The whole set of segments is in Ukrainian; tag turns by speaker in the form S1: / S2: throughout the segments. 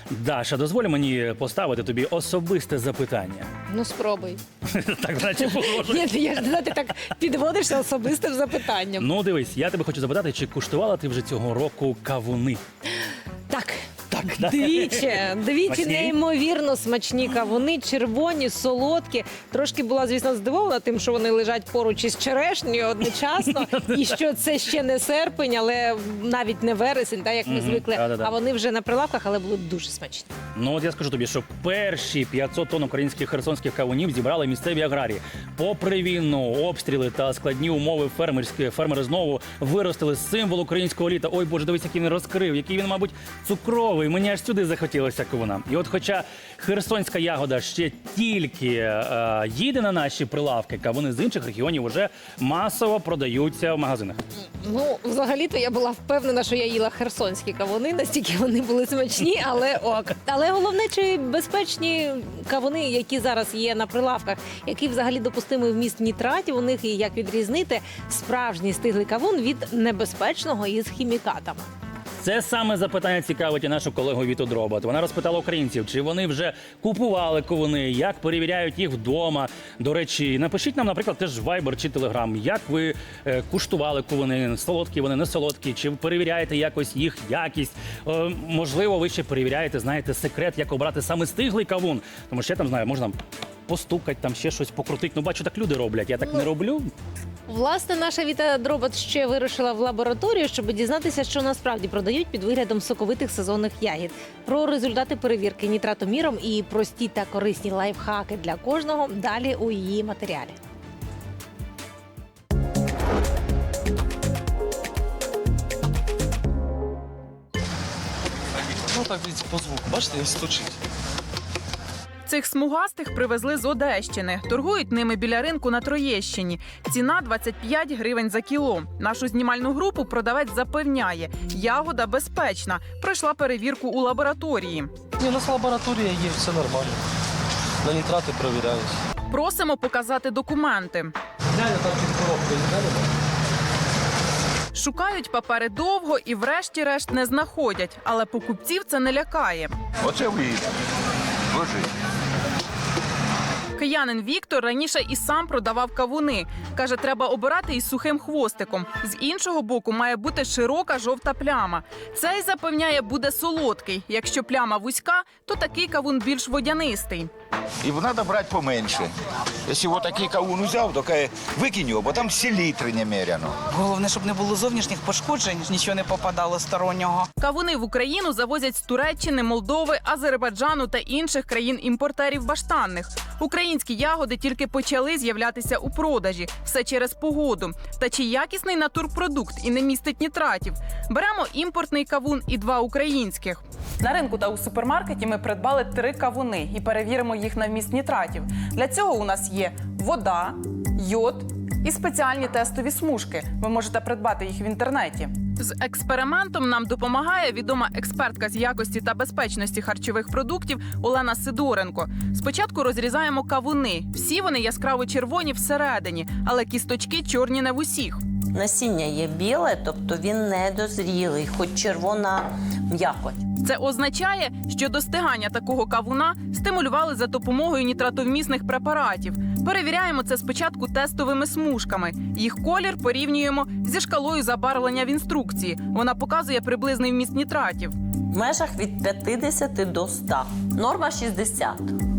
S1: Даша, дозволь мені поставити тобі особисте запитання.
S2: Ну, спробуй.
S1: Так, наче погрожує.
S2: Ні, я ж не знаю, ти так підводишся особистим запитанням.
S1: Ну, дивись, я тебе хочу запитати, чи куштувала ти вже цього року кавуни?
S2: Так.
S1: да?
S2: Двічі
S1: Смачні?
S2: неймовірно смачні кавуни, червоні, солодкі. Трошки була, звісно, здивована тим, що вони лежать поруч із черешнею одночасно, і що це ще не серпень, але навіть не вересень, так, як ми звикли.
S1: да-да-да.
S2: А вони вже на прилавках, але були дуже смачні.
S1: Ну, от я скажу тобі, що перші 500 тонн українських херсонських кавунів зібрали місцеві аграрії. Попри війну, обстріли та складні умови фермери знову виростили символ українського літа. Ой, Боже, дивись, який він розкрив, який він, мабуть, цукровий. Мені аж сюди захотілося кавуна. І от хоча херсонська ягода ще тільки їде на наші прилавки, кавуни з інших регіонів вже масово продаються в магазинах.
S2: Ну, взагалі-то я була впевнена, що я їла херсонські кавуни, настільки вони були смачні, але ок. Але головне, чи безпечні кавуни, які зараз є на прилавках, який взагалі допустимий вміст нітратів у них, і як відрізнити справжній стиглий кавун від небезпечного із хімікатами.
S1: Це саме запитання цікавить і нашу колегу Віту Дробот. Вона розпитала українців, чи вони вже купували кавуни, як перевіряють їх вдома. До речі, напишіть нам, наприклад, теж в Viber чи Telegram, як ви куштували кавуни, солодкі вони, не солодкі, чи ви перевіряєте якось їх якість. Можливо, ви ще перевіряєте, знаєте, секрет, як обрати саме стиглий кавун. Тому що я там знаю, можна постукати, там ще щось покрутити. Ну, бачу, так люди роблять, я так не роблю.
S2: Власне, наша Віта Дробот ще вирушила в лабораторію, щоб дізнатися, що насправді продають під виглядом соковитих сезонних ягід. Про результати перевірки нітратоміром і прості та корисні лайфхаки для кожного далі у її матеріалі.
S3: Ну так, дивіться, по звуку. Бачите, він стучить.
S4: Цих смугастих привезли з Одещини. Торгують ними біля ринку на Троєщині. Ціна 25 гривень за кіло. Нашу знімальну групу продавець запевняє, ягода безпечна. Пройшла перевірку у лабораторії.
S3: Ні, у нас лабораторія є, все нормально. На нітрати перевіряють.
S4: Просимо показати документи.
S3: Глянь, там під коробкою, глянь.
S4: Шукають папери довго і врешті-решт не знаходять. Але покупців це не лякає.
S5: Оце виїзд. Ложись.
S4: Киянин Віктор раніше і сам продавав кавуни. Каже, треба обирати із сухим хвостиком. З іншого боку має бути широка жовта пляма. Цей, запевняє, буде солодкий. Якщо пляма вузька, то такий кавун більш водянистий.
S5: І треба брати поменше. Якщо вот такий кавун взяв, то викинь його, бо там селітри немеряно.
S6: Головне, щоб не було зовнішніх пошкоджень, нічого не попадало стороннього.
S4: Кавуни в Україну завозять з Туреччини, Молдови, Азербайджану та інших країн-імпортерів баштанних. Українські ягоди тільки почали з'являтися у продажі. Все через погоду. Та чи якісний натурпродукт і не містить нітратів? Беремо імпортний кавун і 2 українських. На ринку та у супермаркеті ми придбали 3 кавуни і перевіримо їх на вміст нітратів. Для цього у нас є вода, йод і спеціальні тестові смужки. Ви можете придбати їх в інтернеті. З експериментом нам допомагає відома експертка з якості та безпечності харчових продуктів Олена Сидоренко. Спочатку розрізаємо кавуни. Всі вони яскраво червоні всередині, але кісточки чорні не в усіх.
S7: Насіння є біле, тобто він недозрілий, хоч червона м'якоть.
S4: Це означає, що достигання такого кавуна стимулювали за допомогою нітратовмісних препаратів. Перевіряємо це спочатку тестовими смужками. Їх колір порівнюємо зі шкалою забарвлення в інструкції. Вона показує приблизний вміст нітратів.
S7: В межах від 50 до 100. Норма 60.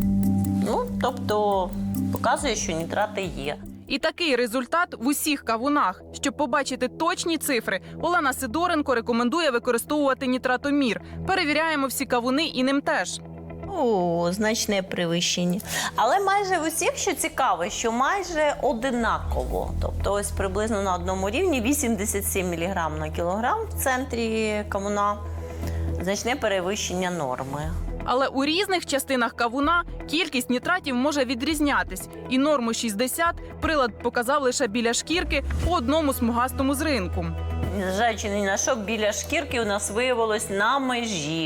S7: Ну, тобто показує, що нітрати є.
S4: І такий результат в усіх кавунах. Щоб побачити точні цифри, Олена Сидоренко рекомендує використовувати нітратомір. Перевіряємо всі кавуни і ним теж.
S7: О, значне перевищення. Але майже в усіх, що цікаво, що майже одинаково. Тобто ось приблизно на одному рівні 87 мг на кілограм в центрі кавуна. Значне перевищення норми.
S4: Але у різних частинах кавуна кількість нітратів може відрізнятись. І норму 60 прилад показав лише біля шкірки по одному смугастому з ринку.
S7: Незважаючи ні на що, біля шкірки у нас виявилось на межі.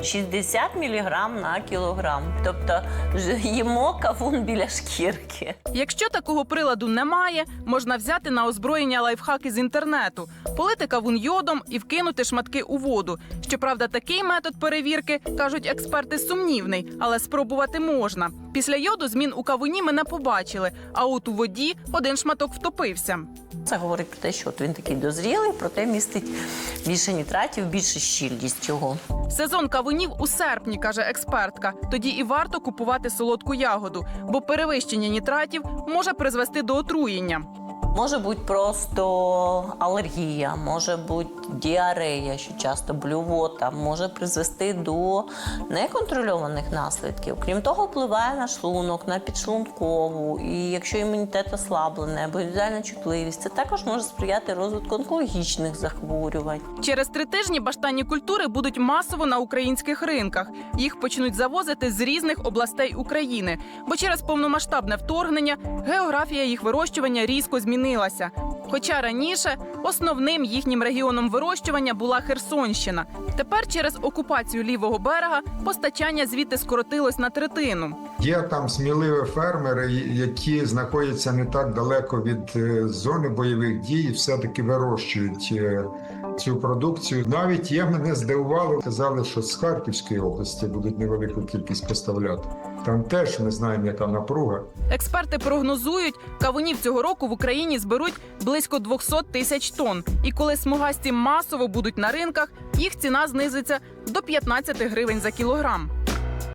S7: 60 мг на кілограм. Тобто їмо кавун біля шкірки.
S4: Якщо такого приладу немає, можна взяти на озброєння лайфхаки з інтернету, полити кавун йодом і вкинути шматки у воду. Щоправда, такий метод перевірки, кажуть експерти, сумнівний, але спробувати можна. Після йоду змін у кавуні ми не побачили, а от у воді один шматок втопився.
S7: Це говорить про те, що от він такий дозрілий, проте містить більше нітратів, більше щільність його.
S4: Сезон кавунів у серпні, каже експертка. Тоді і варто купувати солодку ягоду, бо перевищення нітратів може призвести до отруєння.
S7: Може бути просто алергія, може бути діарея, що часто блювота, може призвести до неконтрольованих наслідків. Крім того, впливає на шлунок, на підшлункову. І якщо імунітет ослаблений або індивідуальна чутливість, це також може сприяти розвитку онкологічних захворювань.
S4: Через 3 тижні баштанні культури будуть масово на українських ринках. Їх почнуть завозити з різних областей України, бо через повномасштабне вторгнення географія їх вирощування різко змінилася. Хоча раніше основним їхнім регіоном вирощування була Херсонщина. Тепер через окупацію лівого берега постачання звідти скоротилось на 1/3.
S8: Є там сміливі фермери, які знаходяться не так далеко від зони бойових дій, і все-таки вирощують цю продукцію. Навіть є, мене здивувало, казали, що з Харківської області будуть невелику кількість поставляти. Там теж ми знаємо, яка напруга.
S4: Експерти прогнозують, кавунів цього року в Україні зберуть близько 200 тисяч тонн. І коли смугасті масово будуть на ринках, їх ціна знизиться до 15 гривень за кілограм.